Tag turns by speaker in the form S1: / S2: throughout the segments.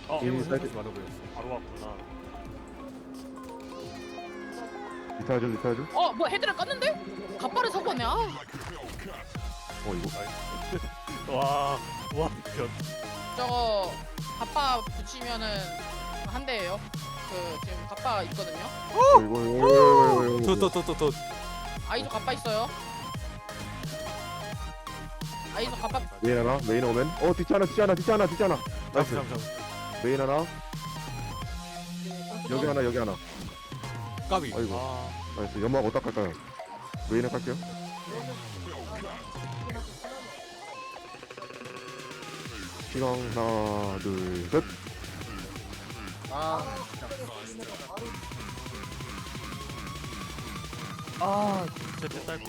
S1: 게임을
S2: 사이트.
S1: 생각하지 말아버렸어.
S3: 바로 왔구나.
S2: 리타야죠 리타야죠.
S4: 뭐 헤드를 깠는데? 갑바를 사고 왔네.
S2: 이거
S3: 와,
S4: 저거 갑바 붙이면은 한 대예요. 그 지금 갑바 있거든요.
S2: 이거
S1: 더.
S4: 아이도 갑바 있어요. 아이도 갑바.
S2: 메인 하나 메인 오면 뒷잖아 나이스.
S1: 잠.
S2: 메인 하나 여기 하나
S1: 까비.
S2: 아이고
S3: 아,
S2: 나이스. 연막 어디다 깔까요? 메인에 깔게요. 시간 하나 둘셋.
S3: 제때 딸피.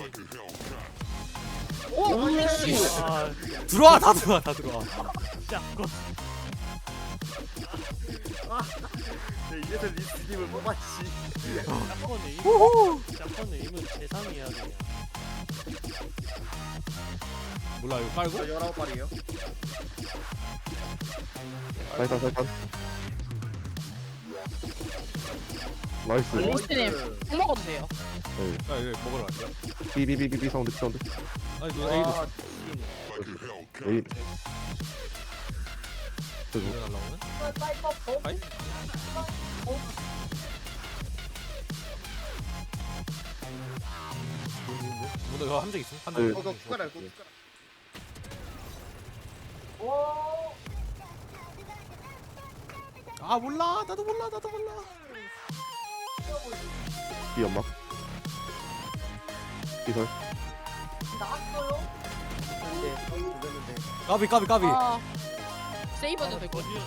S4: 씨.
S3: 아,
S1: 다 들어와.
S3: 샷건.
S5: 이래서 리스님을 뽑았지.
S3: 샷건 에임은 세상이야 그냥.
S1: 몰라 이거 깔고?
S5: 19발이에요.
S2: 사이탄 나이스.
S4: 리스님 꼭 먹어도 돼요.
S1: 아 이거 먹으러 갈게요.
S2: 비비비비 사운드
S1: 아니 너 A도
S2: 메인.
S1: 왜 날라오네? 아이? 뭔데 이거 함정 있어? 함정
S2: 네.
S1: 있어?
S5: 그거 숟가락 숟가락.
S1: 아 몰라 나도 몰라
S2: 비 연막. 비설.
S1: 까비
S4: 세이버도 되고.
S3: 어디야?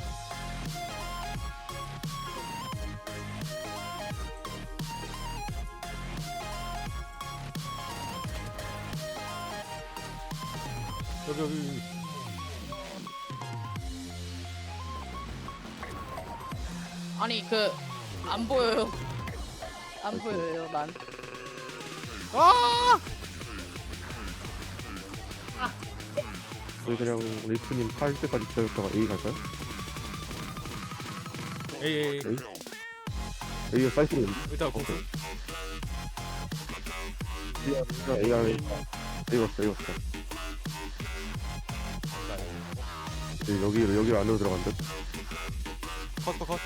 S1: 여기
S4: 아니 그 안 보여요. 안 보여요 난.
S2: 우리 그냥 리프님 팔 때까지 기다렸다가 A 갈까요?
S1: 에이
S2: A가 사이트로
S1: 일단 공수
S2: A가 A 왔어. 여기로 안으로 들어간 듯.
S1: 컷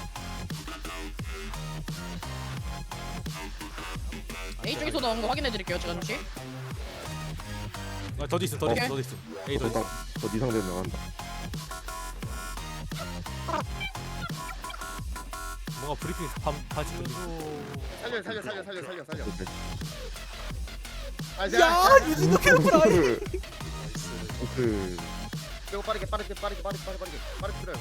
S4: A 쪽에서 나온 거 확인해 드릴게요 잠시.
S1: 아, 더 있어 A 더 있어
S2: 더 이상된 나간다.
S1: 뭔가 브리핑 반치
S5: 살려.
S2: 오케이.
S5: 아,
S1: 야 유진도 캐럿프라
S2: 그
S5: 이거 빠르게 들어요.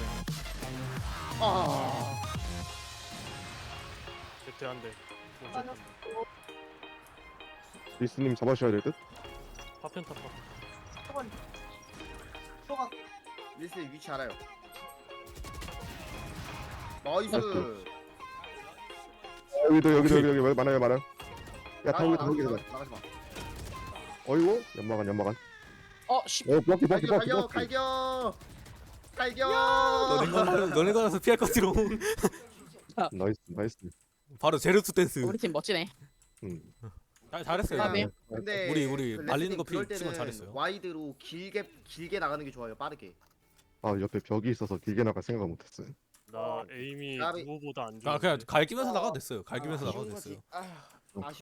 S3: 제때 한 대.
S2: 리스님 잡아주셔야 될 듯.
S3: 파편타 파편.
S5: 리스님 위치 알아요. 나이스.
S2: 여기 많아요. 야 타고
S5: 나가지 마.
S2: 어이구 연마간.
S4: 씨.
S2: 블럭키.
S5: 갈겨.
S1: 너네 가서 피할 것지롱
S2: 나이스.
S1: 바로 제르투 댄스
S4: 우리 팀 멋지네.
S1: 잘했어요
S4: 아, 네.
S5: 근데
S1: 우리
S5: 그
S1: 말리는 거
S5: 그럴
S1: 치곤
S5: 때는
S1: 잘했어요.
S5: 와이드로 길게 나가는 게 좋아요. 빠르게.
S2: 아 옆에 벽이 있어서 길게 나갈 생각을 못했어요.
S3: 나 에임이
S5: 나비.
S3: 누구보다 안 좋아.
S1: 아 그냥 갈기면서 나가도 됐어요 갈기면서 나가도 됐어요
S5: 아쉬운